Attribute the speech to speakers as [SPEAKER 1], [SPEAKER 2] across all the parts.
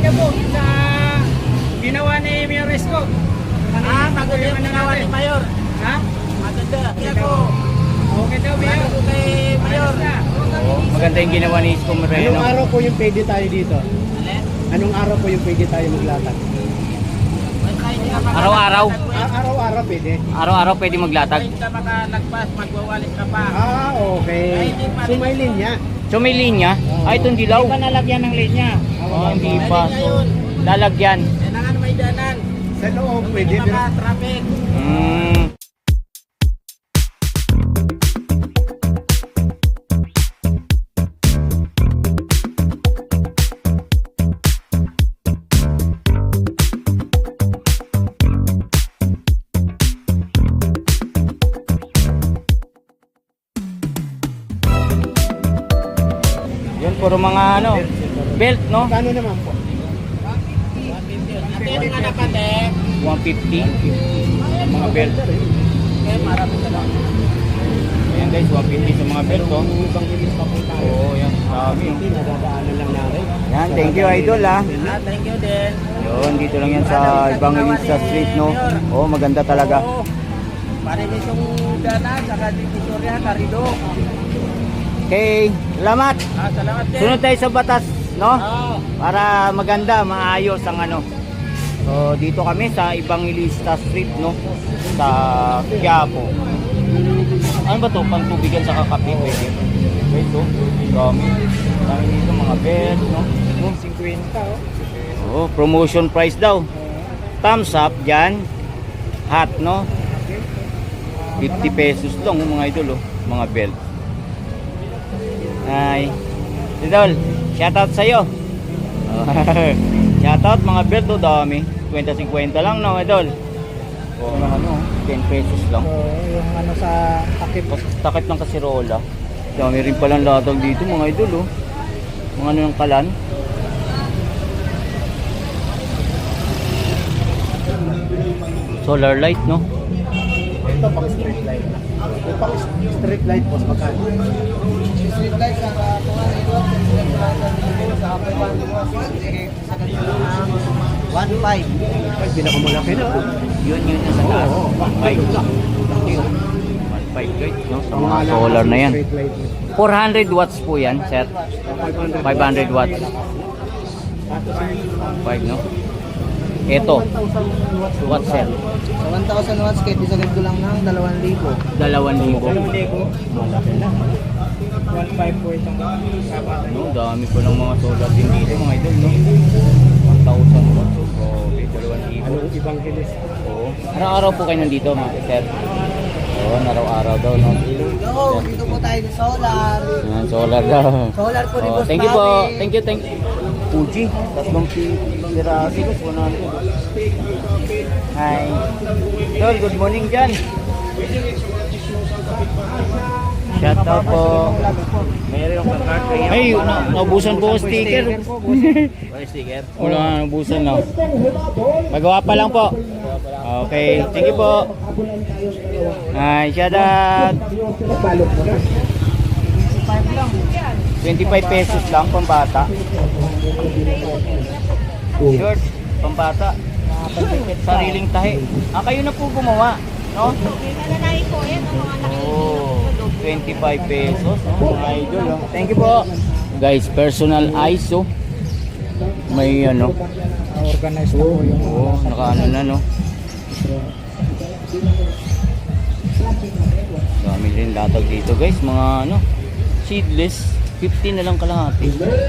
[SPEAKER 1] ka po sa ginawa ni Mayor Isko.
[SPEAKER 2] Maganda yung ginawa ni Mayor.
[SPEAKER 1] Ha?
[SPEAKER 2] Maganda. Kaya po.
[SPEAKER 1] Okay daw, Mayor.
[SPEAKER 2] Maganda po kay Mayor.
[SPEAKER 3] Maganda yung ginawa ni Isko Moreno.
[SPEAKER 4] Anong araw po yung pwede tayo dito? Anong araw po yung pwede tayo maglatag?
[SPEAKER 3] Araw-araw.
[SPEAKER 4] Araw-araw pwede.
[SPEAKER 3] Araw-araw pwede maglatag.
[SPEAKER 2] Kahit ka makalagpas, magwawalis ka pa.
[SPEAKER 4] Okay. So may linya.
[SPEAKER 3] So may linya. Ay, itong dilaw.
[SPEAKER 1] Hindi pa nalagyan ng linya.
[SPEAKER 3] Oh, hindi
[SPEAKER 2] May
[SPEAKER 3] pa.
[SPEAKER 2] linya
[SPEAKER 3] So,
[SPEAKER 2] yun.
[SPEAKER 3] lalagyan.
[SPEAKER 2] Kailangan may danan.
[SPEAKER 4] Sa loob
[SPEAKER 2] Hindi
[SPEAKER 4] pwede. Pero
[SPEAKER 2] maka-traffic.
[SPEAKER 3] Hmm. Yun, puro mga ano, belt, no?
[SPEAKER 4] kano naman po?
[SPEAKER 2] Ate, yung anak ate.
[SPEAKER 3] 150. Mga belt.
[SPEAKER 2] Okay, marami ka lang.
[SPEAKER 3] Ayan guys, 150 sa mga belt, oh.
[SPEAKER 4] Ibang bilis pa po tayo.
[SPEAKER 3] Oo, yan. Dami, oh.
[SPEAKER 4] Hindi, nadadaanan lang natin.
[SPEAKER 3] Yan, thank you, idol, ah.
[SPEAKER 2] Thank you din.
[SPEAKER 3] Yun, dito lang yan sa Evangelista Street, no? Oo, maganda talaga.
[SPEAKER 2] Oo. Marinis yung danan, saka divisorya, karido.
[SPEAKER 3] Okay, salamat.
[SPEAKER 2] Salamat din.
[SPEAKER 3] Sunod tayo sa batas, no?
[SPEAKER 2] Oo.
[SPEAKER 3] Para maganda, maayos ang ano. So, dito kami sa Evangelista Street, no? Sa Quiapo. Ano ba to? Pantubigan sa kakape, pwede. Okay, so, dami. Dami dito, mga bed, no?
[SPEAKER 4] 50 oh.
[SPEAKER 3] Oh, promotion price daw. Thumbs up dyan. Hat, no? 50 pesos lang, mga idol, oh. Mga belt. Ay. Idol, shoutout sa'yo. Shoutout, mga belt, oh, dami. 50-50 lang, no, idol? O, ano, 10 pesos lang.
[SPEAKER 4] So, yung ano sa takip.
[SPEAKER 3] Takip ng kasirola. Dami rin palang latag dito, mga idol, oh. Mga ano ng kalan. Solar light, no?
[SPEAKER 4] Ito pang street light. Yung pang street light po sa magkano? Street light sa sa 1.5. Ay, pinakamalaki na.
[SPEAKER 3] Yun nasa taas. 1.5 lang. 1.5 guys, no? Sa mga solar na yan.
[SPEAKER 4] Street light.
[SPEAKER 3] 400 watts po yan, sir. 500 watts. 5, no? Ito. Watts, sir.
[SPEAKER 2] Sa 1,000 watts, kahit isagad ko lang ng 2,000.
[SPEAKER 3] 2,000.
[SPEAKER 4] Malaki na. 1.5 po itong kabataan.
[SPEAKER 3] No, dami po ng mga solar din dito, mga idol, no? 1,000 watts. So, 2,000.
[SPEAKER 4] Anong ibang kilis?
[SPEAKER 3] Oo. Araw-araw po kayo nandito, mga sir. Oo, araw-araw daw, no?
[SPEAKER 2] Go, dito po tayo sa solar.
[SPEAKER 3] Yan, solar daw.
[SPEAKER 2] Solar po ni
[SPEAKER 3] Oh,
[SPEAKER 2] Boss
[SPEAKER 3] thank you po.
[SPEAKER 2] Bobby.
[SPEAKER 3] Thank you. Fuji, tatlong piraso ko, 100. Hi. Tol, good morning dyan. Shout out po.
[SPEAKER 2] Mayroon yung card kayo.
[SPEAKER 3] Ay, naubusan po sticker.
[SPEAKER 2] Wala sticker.
[SPEAKER 3] Wala nga, naubusan na. Pagawa pa lang po. Okay, thank you po. Hi, shout out. 25 pesos lang, pambata. Short, pambata. Sariling tahi. Kayo na po gumawa, no? Oh, 25 pesos, no? Mga idol, no? Thank you po. Guys, personal ISO. May ano.
[SPEAKER 4] Organized na po yung
[SPEAKER 3] Oo, nakaano na, no? Dami rin latag dito, guys. Mga ano, seedless. 50 na lang kalahati.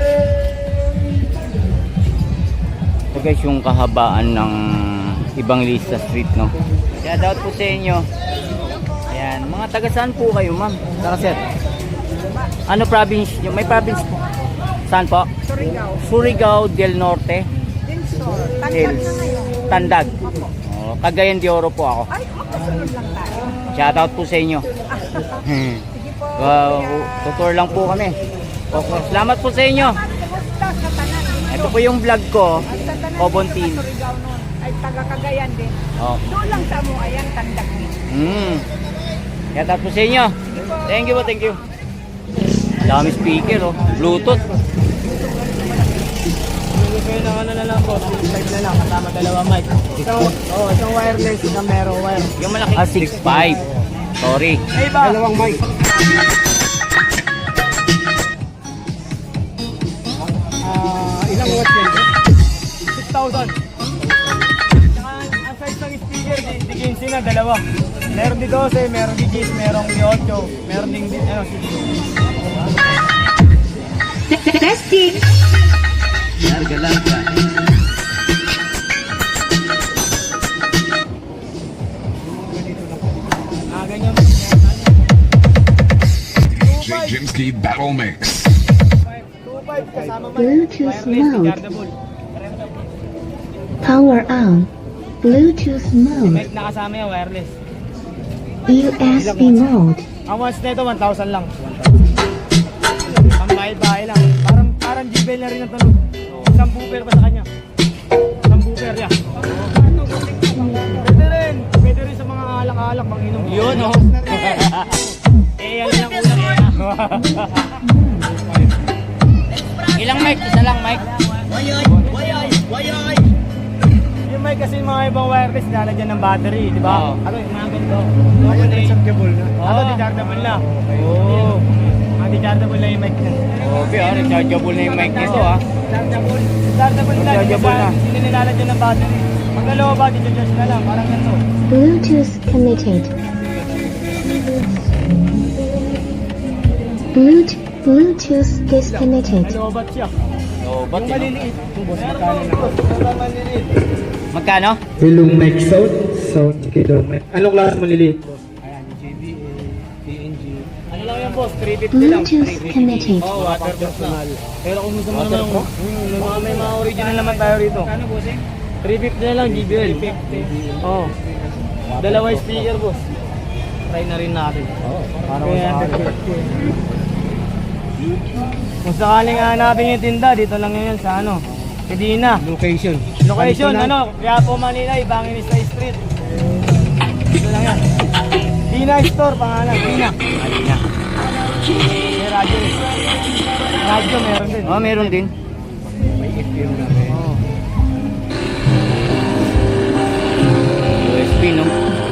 [SPEAKER 3] Ito guys, yung kahabaan ng Evangelista Street, no? Shout out po sa inyo. Ayan, mga taga saan po kayo, ma'am? Saka sir? Ano province? May province po? Saan po?
[SPEAKER 1] Surigao.
[SPEAKER 3] Surigao del Norte.
[SPEAKER 1] Dinsor. Tandag
[SPEAKER 3] Hills.
[SPEAKER 1] na ngayon.
[SPEAKER 3] Tandag. Oh, Cagayan de Oro po ako.
[SPEAKER 1] Ay, makasunod lang tayo.
[SPEAKER 3] Shout out po sa inyo.
[SPEAKER 1] Sige po.
[SPEAKER 3] Wow, tutor lang po kami. Okay. Salamat po sa inyo.
[SPEAKER 1] Basta sa tanan.
[SPEAKER 3] Ito po yung vlog ko.
[SPEAKER 1] At sa tanan
[SPEAKER 3] Kobontin.
[SPEAKER 1] sa Surigao nun. Ay, taga Cagayan din.
[SPEAKER 3] Oh.
[SPEAKER 1] Doon lang sa mo, ayan, tandag ni.
[SPEAKER 3] Shout out po sa inyo. Thank you po, thank you. Dami speaker, oh. Bluetooth.
[SPEAKER 2] kayo ng ano na lang po, 6.5 na lang, kasama dalawa mic. Isang wireless, isang mero wire.
[SPEAKER 3] Yung malaki. 6.5. Sorry.
[SPEAKER 2] Ay ba? Dalawang mic. Ilang watts yan? 6,000. Saka ang size ng speaker, di 15 na, dalawa. Meron di 12, meron di 10, meron di 8, meron din 16.
[SPEAKER 5] Testing.
[SPEAKER 2] Ganyan.
[SPEAKER 6] DJ Jimsky Battle Mix.
[SPEAKER 2] 2.5 kasama mic.
[SPEAKER 5] Bluetooth
[SPEAKER 2] Wireless,
[SPEAKER 5] mode.
[SPEAKER 2] chargeable.
[SPEAKER 5] Power on. Bluetooth mode.
[SPEAKER 2] Mic na kasama yan, wireless.
[SPEAKER 5] USB mode.
[SPEAKER 2] Ang watts na ito, 1,000 lang. Ang bahay-bahay lang. Parang G-Bell na rin ang tunog. Isang booper pa sa kanya. Isang booper yan. Pwede rin sa mga alak-alak, mag-inom.
[SPEAKER 3] Yun, oh.
[SPEAKER 2] Yan lang ulang eh.
[SPEAKER 3] Ilang mic? Isa lang mic?
[SPEAKER 2] Yung mic kasi mga ibang wireless, lalagyan ng battery, di ba?
[SPEAKER 3] Oo.
[SPEAKER 2] Ano, yung mga ganito. Rechargeable na. Ano, rechargeable na. Oo. Rechargeable na yung mic na.
[SPEAKER 3] Okay, rechargeable na yung mic nito, ah.
[SPEAKER 2] Rechargeable. Rechargeable na.
[SPEAKER 3] Rechargeable na.
[SPEAKER 2] Hindi nilalagyan ng battery. Pag dalawa ba, di-charge na lang. Parang ganito.
[SPEAKER 5] Bluetooth connected. Bluetooth disconnected.
[SPEAKER 2] Lobat siya.
[SPEAKER 3] Oh, ba't
[SPEAKER 2] Yung
[SPEAKER 3] yun?
[SPEAKER 2] maliliit. Meron ba maliliit?
[SPEAKER 3] Magkano?
[SPEAKER 7] Ilong mic sound kilo mic. Anong klase maliliit?
[SPEAKER 2] Ayan, yung JBA, PNG. Ano lang yan boss? 350 lang.
[SPEAKER 5] Bluetooth connected.
[SPEAKER 2] Oh, waterproof na. Pero kung gusto mo naman, may mga original naman tayo rito. Ano bossing? 350 na lang, JBL. 350. Oh. Dalawa speaker boss. Try na rin natin. Para kung sakaling hanapin yung tinda, dito lang yun sa ano, Medina.
[SPEAKER 7] Location.
[SPEAKER 2] Location, ano, Quiapo, Manila, Evangelista Street. Dito lang yan. Dina Store, pangalan, Dina.
[SPEAKER 3] Alina.
[SPEAKER 2] May radyo rin. Radyo, meron din.
[SPEAKER 3] Oh, meron din.
[SPEAKER 2] Oh.
[SPEAKER 3] USB, no?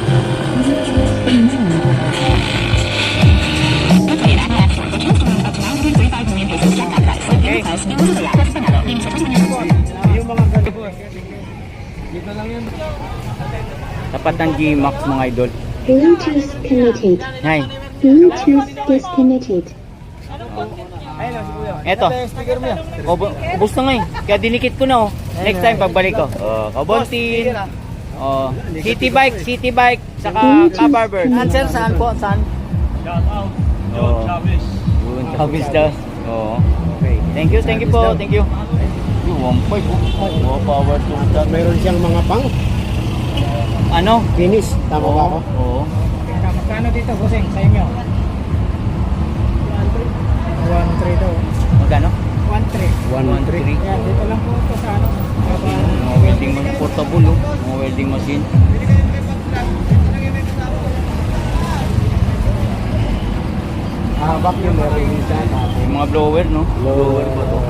[SPEAKER 3] Okay.
[SPEAKER 2] Yung mga ganito. Dito lang yan.
[SPEAKER 3] Tapat ng G-Max, mga idol.
[SPEAKER 5] Bluetooth connected.
[SPEAKER 3] Hay.
[SPEAKER 5] Bluetooth disconnected.
[SPEAKER 2] Ayun, si Kuya.
[SPEAKER 3] Eto.
[SPEAKER 2] Ito yung speaker mo yan.
[SPEAKER 3] Ubus na nga eh. Kaya dinikit ko na, oh. Next time, pagbalik ko. Oh, Kabontin. Oh, City Bike, saka Kabarber.
[SPEAKER 2] Answer, saan po? Saan?
[SPEAKER 3] Oh. Yun, Chavez daw. Oo. Okay. Thank you po. Thank you. Yung 1.5. Oh, power to that.
[SPEAKER 4] Mayroon siyang mga pang
[SPEAKER 3] Ano?
[SPEAKER 4] finish. Tama ba ako?
[SPEAKER 3] Oo.
[SPEAKER 2] Magkano dito, bossing, sa inyo? 1.3 daw.
[SPEAKER 3] Magkano?
[SPEAKER 2] 1.3.
[SPEAKER 3] 1.3.
[SPEAKER 2] Yan, dito lang po ito sa ano.
[SPEAKER 3] Mga welding machine. Portable, oh. Mga welding machine.
[SPEAKER 4] Vacuum meron din siya.
[SPEAKER 3] Yung mga blower, no? Blower ba to?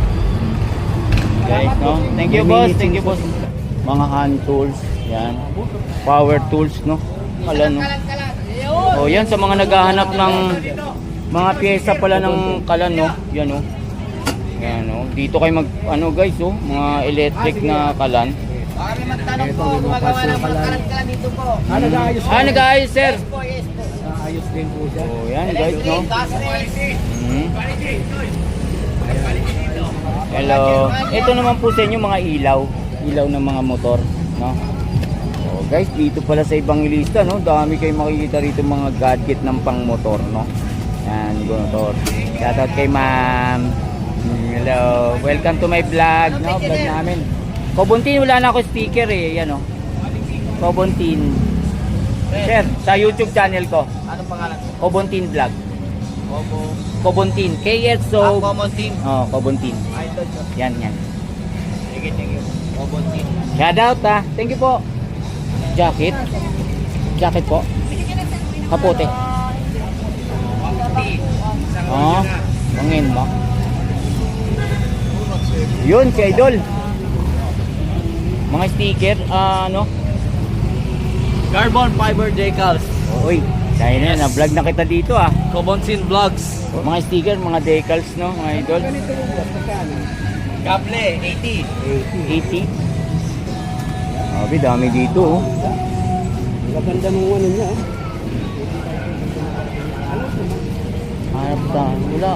[SPEAKER 3] Guys, no? Thank you, boss. Thank you, boss. Mga hand tools. Yan. Power tools, no? Kala, no? Oh, yan sa mga naghahanap ng mga pyesa pala ng kalan, no? Yan, no? Yan, no? Dito kayo mag, ano guys, oh? Mga electric na kalan.
[SPEAKER 4] Ito, may mga parts na pala. Nag-aayos.
[SPEAKER 3] Nag-aayos, sir.
[SPEAKER 4] Ayos din po siya.
[SPEAKER 3] Oh, yan, guys, no? Hello. Ito naman po sa inyo mga ilaw. Ilaw ng mga motor, no? Oh, guys, dito pala sa Evangelista, no? Dami kayong makikita rito mga gadget ng pang-motor, no? Yan, motor. Shoutout kay ma'am. Hello. Welcome to my vlog, no? Vlog namin. Kobontin, wala na ako speaker eh. Yan, oh. Kobontin. Sir, sa YouTube channel ko.
[SPEAKER 2] Anong pangalan?
[SPEAKER 3] Kobontin Vlog. Kobontin. KSO.
[SPEAKER 2] Kobontin.
[SPEAKER 3] Oh, Kobontin.
[SPEAKER 2] Idol ko.
[SPEAKER 3] Yan, yan.
[SPEAKER 2] Sige, thank you. Kobontin.
[SPEAKER 3] Shout out, ah. Thank you po. Jacket. Jacket po. Kapote. Oh, pangin mo. Yun, si Idol. Mga sticker, ano?
[SPEAKER 2] Carbon fiber decals.
[SPEAKER 3] Uy, dahil na, na-vlog na kita dito ah.
[SPEAKER 2] Kobonsin vlogs.
[SPEAKER 3] Mga sticker, mga decals, no, mga idol.
[SPEAKER 2] Kable, 80.
[SPEAKER 3] 80. Sabi, dami dito oh.
[SPEAKER 4] Maganda nung ano niya.
[SPEAKER 3] Hanap tayo, wala.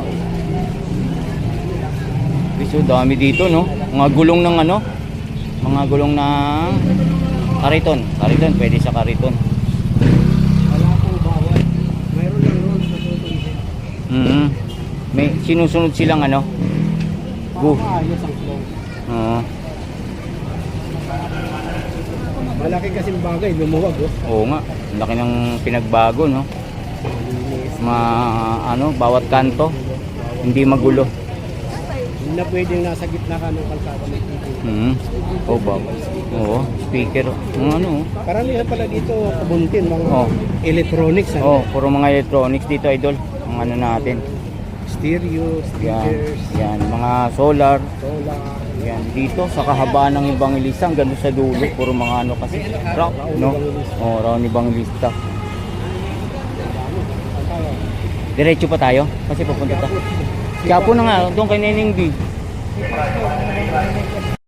[SPEAKER 3] So, dami dito, no? Mga gulong ng ano? Mga gulong ng kariton. Kariton, pwede sa kariton.
[SPEAKER 4] Wala pong bawal. Mayroon lang roon sa susunod.
[SPEAKER 3] May sinusunod silang ano? Go.
[SPEAKER 4] Maayos ang flow.
[SPEAKER 3] Oo.
[SPEAKER 4] Malaki kasing bagay, lumuwag oh.
[SPEAKER 3] Oo nga. Ang laki ng pinagbago, no? Ano, bawat kanto. Hindi magulo.
[SPEAKER 4] Hindi na pwedeng nasa gitna ka ng kalsada ng TV.
[SPEAKER 3] Oo ba? Oo, speaker. Ano?
[SPEAKER 4] Karamihan pala dito, kabuntin, mga
[SPEAKER 3] Oh.
[SPEAKER 4] electronics.
[SPEAKER 3] Oh, puro mga electronics dito, idol. Ang ano natin.
[SPEAKER 4] Stereo,
[SPEAKER 3] Yan,
[SPEAKER 4] speakers,
[SPEAKER 3] yan, mga solar.
[SPEAKER 4] solar.
[SPEAKER 3] Yan, dito sa kahabaan ng Evangelista, hanggang doon sa dulo, puro mga ano kasi, rock, no? Oh, round Evangelista. Diretso pa tayo, kasi pupunta tayo. Quiapo na nga, doon kay Neneng B.